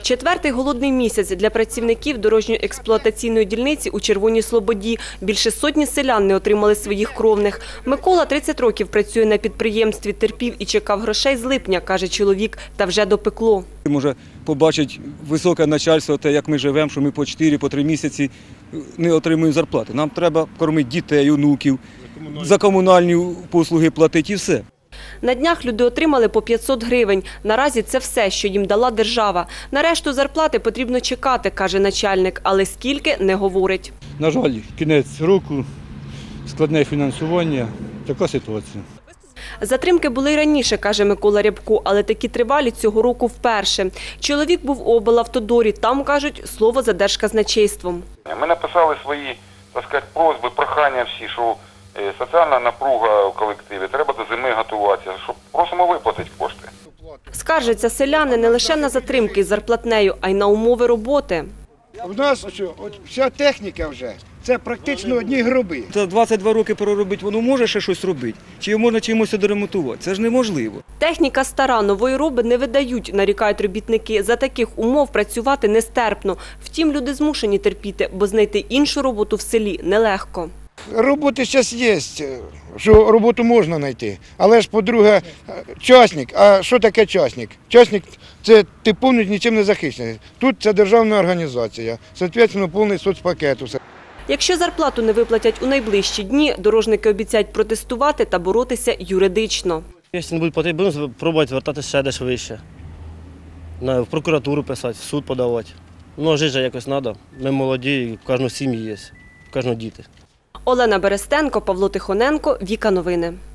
Четвертий голодний місяць для працівників дорожньо-експлуатаційної дільниці у Червоній Слободі. Більше сотні селян не отримали своїх кровних. Микола 30 років працює на підприємстві, терпів і чекав грошей з липня, каже чоловік, та вже допекло. Може побачить високе начальство, те, як ми живемо, що ми по 4-3 місяці не отримуємо зарплати. Нам треба кормити дітей, онуків, за комунальні послуги платити і все. На днях люди отримали по 500 гривень. Наразі це все, що їм дала держава. На решту зарплати потрібно чекати, каже начальник, але скільки – не говорить. На жаль, кінець року, складне фінансування, така ситуація. Затримки були й раніше, каже Микола Рябко, але такі тривалі цього року вперше. Чоловік був у облавтодорі, там, кажуть, слово за Держказначейством. Ми написали свої, так сказати, просьби, прохання всі, що соціальна напруга в колективі, треба до зими готуватися, щоб просимо виплатити кошти. Скаржаться селяни не лише на затримки з зарплатнею, а й на умови роботи. У нас вся техніка вже, це практично одні гроби. За 22 роки проробити, воно може ще щось робити? Чи можна чимось доремонтувати? Це ж неможливо. Техніка стара, нової роби не видають, нарікають робітники. За таких умов працювати нестерпно. Втім, люди змушені терпіти, бо знайти іншу роботу в селі нелегко. Роботи зараз є, що роботу можна знайти. Але ж, по-друге, частник. А що таке частник? Частник – це ти повністю нічим не захищений. Тут це державна організація, відповідно, повний соцпакет. Якщо зарплату не виплатять у найближчі дні, дорожники обіцяють протестувати та боротися юридично. Якщо не будуть платити, будемо спробувати звертатися ще десь вище. В прокуратуру писати, в суд подавати. Ну, жити же якось треба. Ми молоді, в кожного сім'ї є, в кожного діти. Олена Берестенко, Павло Тихоненко, Віка Новини.